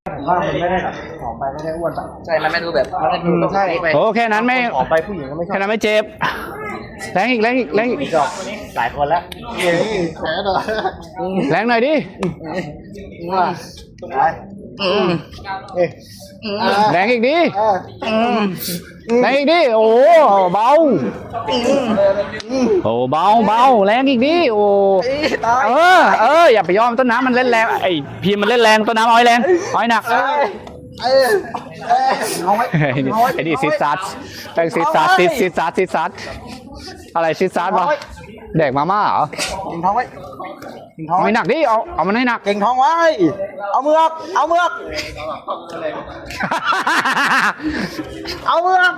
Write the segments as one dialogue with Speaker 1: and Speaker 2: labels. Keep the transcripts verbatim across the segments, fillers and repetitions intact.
Speaker 1: ผมว่ามันไม่ได้แบบผอมไปไม่ได้อ้วนไป
Speaker 2: ใช่มันไม่ดูแบบมันไม่ดูใช่ไป
Speaker 3: โอ้แค่นั้นไม่
Speaker 1: ผอมไปผู้หญิงก็ไม่ชอบ
Speaker 3: แค่นั้นไม่เจ็บแรงอีกแรงอีกแรงอีก
Speaker 1: ดอกหลายคนแล้วเฮ้ยแผลหน่อย
Speaker 3: แรงหน่อยดิ
Speaker 1: ว่าไปอืมเอ๊ะ
Speaker 3: แรงอีกดิ
Speaker 1: อ่า
Speaker 3: แรงอีกดิโอ้เบาโอ้เบาเบาแรงอีกดิโอ้เออเอออย่าไปยอมต้นน้ำมันเล่นแรงไอ้พีมันเล่นแรงต้นน้ำอ้อยแรงอ้อยหนัก
Speaker 1: เอ้ยเอ้ยเอ้ยเอาไว้
Speaker 3: ไอ้นี่ไอ้นี่ซิดซัดแป้งซิดซัดซิดซิดซัดซิดซัดอะไรซิดซัดวะแดกมาม่าเหรอ
Speaker 1: ถึงท้องไว้ถึงท้อง
Speaker 3: เอา
Speaker 1: ไว้
Speaker 3: ให้หนักดิเอาเอามันให้หนัก
Speaker 1: เก่งท้องไว้ เอามือออกเอามือออกเอามือออก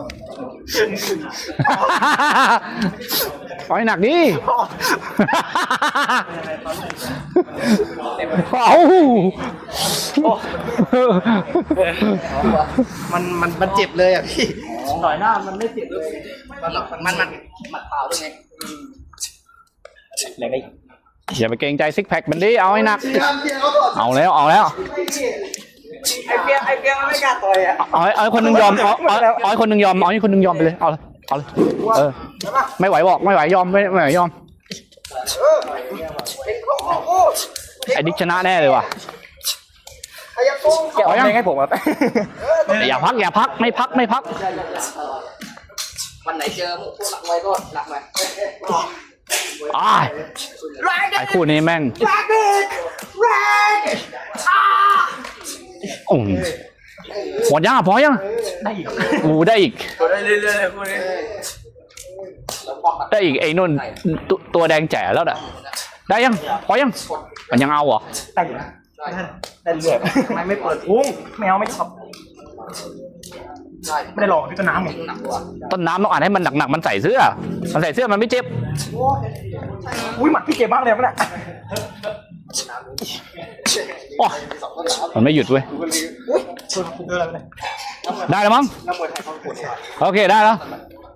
Speaker 3: เอาให้หนักดิเอา
Speaker 1: มันมันมันเจ็บเลยอ่ะพี่ต่อยหน้ามันไม่เจ็บเลย
Speaker 2: มันมันมันมันเปล่าด้วยไง
Speaker 1: แรงไอ้
Speaker 3: อย่าไปเกรงใจซิกแพคมันดิเอาให้หนักเอาแล้วเอาแล้ว
Speaker 1: ไอ้เปียไอ้เปียมันไม่กล้าต่อยอ่ะ
Speaker 3: เอาให้เอาให้คนหนึงยอมเอาเอาเอาให้คนหนึงยอมเอาให้คนหนึงยอมไปเลยเอาเลยเอาเลยเออไม่ไหวบอกไม่ไหวยอมไม่ไม่ไหวยอมไอ้ดิกชนะแน่เลยว่ะ
Speaker 1: ไอ้ยังโป้งเกี่ยวยังให้ผมอ่ะ
Speaker 3: อย่าพักอย่าพักไม่พักไม่พัก
Speaker 2: วันไหนเจอพวกหลักไว้ก็หลักไว้
Speaker 3: อ้ายไอ้คู่นี้แม่งโอ้ยหมดยังอ่ะพอยังได้อีกโอ้ได้อีก
Speaker 1: ได้เรื่อยๆพวกนี้
Speaker 3: ได้อีกไอ้นุ่นตัวตัวแดงแจ๋แล้วน่ะได้ยังพอยังมันยังเอาเหรอ
Speaker 1: ได้อยู่นะได้เรื่อยทำไมไม่เปิดพุงไม่เอาไม่ชอบ
Speaker 2: ใช่
Speaker 1: ไม่ได้หลอกที่ต้นน้ำไง
Speaker 2: หนักกว่า
Speaker 3: ต้นน้ำต้องอ่านให้มันหนักๆมันใส่เสื้อมันใส่เสื้อมันไม่เจ็บ
Speaker 1: อุ้ยหมัดพี่เจ็บมากเลยมันอ่ะ
Speaker 3: โอ้มันไม่หยุดเว้ยได้แล้วมั้งโอเคได้แล้ว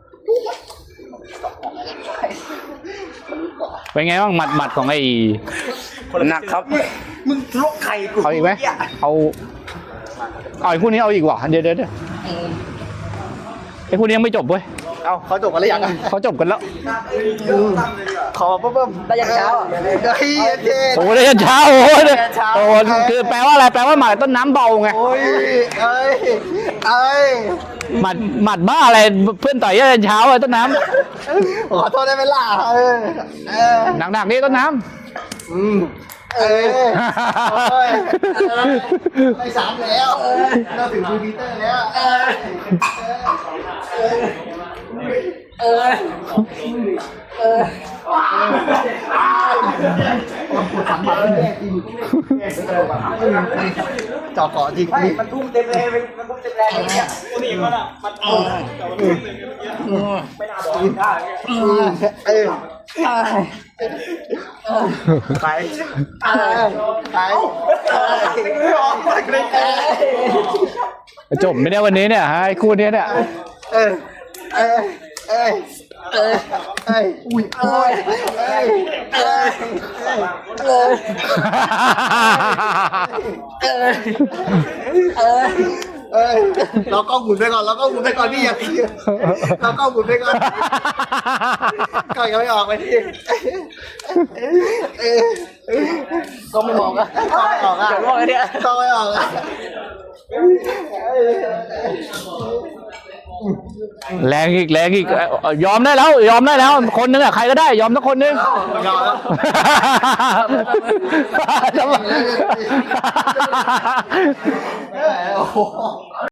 Speaker 3: เป็นไงบ้างหมัดหมัดของไอ้
Speaker 1: หนักครับมึงลกไข่กู
Speaker 3: เอาอีกไหมเอาเอาไอ้คู่นี้เอาอีกว่ะเดี๋ยวเดี๋ยวเดี๋ยวไอ้คู่นี้ยังไม่จบเว้ย
Speaker 1: เอาเขาจบกันหรือยัง
Speaker 3: เขาจบกันแล้ว
Speaker 1: ขอเพิ่มได้ยังเช้าเฮ้ยเจ๊
Speaker 3: โอ้ได้ยันเช้าโอ้ยโอ้คือแปลว่าอะไรแปลว่าหมัดต้นน้ำเบาไง
Speaker 1: โอ้ยเอ้ยเอ้ย
Speaker 3: หมัดหมัดบ้าอะไรเพื่อนต่อยยันเช้าไอ้ต้นน้
Speaker 1: ขอโทษได้ไหมล่ะเออเออ
Speaker 3: ำหนักๆนี่ต้นน้
Speaker 1: อืมเออโอ้ยไปสามแล้วเราถึงคูพีเตอร์แล้วเออเออเออสามบาทแน่จริงจอเกาะจริงมันทุ่มเต็มเลยมันทุ่มเต็มแรงเนี่ยตัวนี้มันอ่ะมันเออไม่น่าบอกได้เออไปไปไม่ออกไปเลย
Speaker 3: ำจบไม่ได้วันนี้เนี่ยฮะไอ้คู่นี้เนี่ย
Speaker 1: เออเออเออเออเอออุ้ยเออเออเออเออเออเออเออเรากล้องหมุนไปก่อนเรากล้องหมุนไปก่อนพี่อย่าพี่เรากล้องหมุนไปก่อนก่อนยังไม่ออกไปพี่ก็ไม่ออกอะก็ไม่ออกอะก็ไม่ออกอะ
Speaker 3: แรงอีกแรงอีกยอมได้แล้วยอมได้แล้วคนนึงอะใครก็ได้ยอมสักคนนึง
Speaker 1: ยอมแล้ว
Speaker 3: ทำไม
Speaker 1: โอ้โห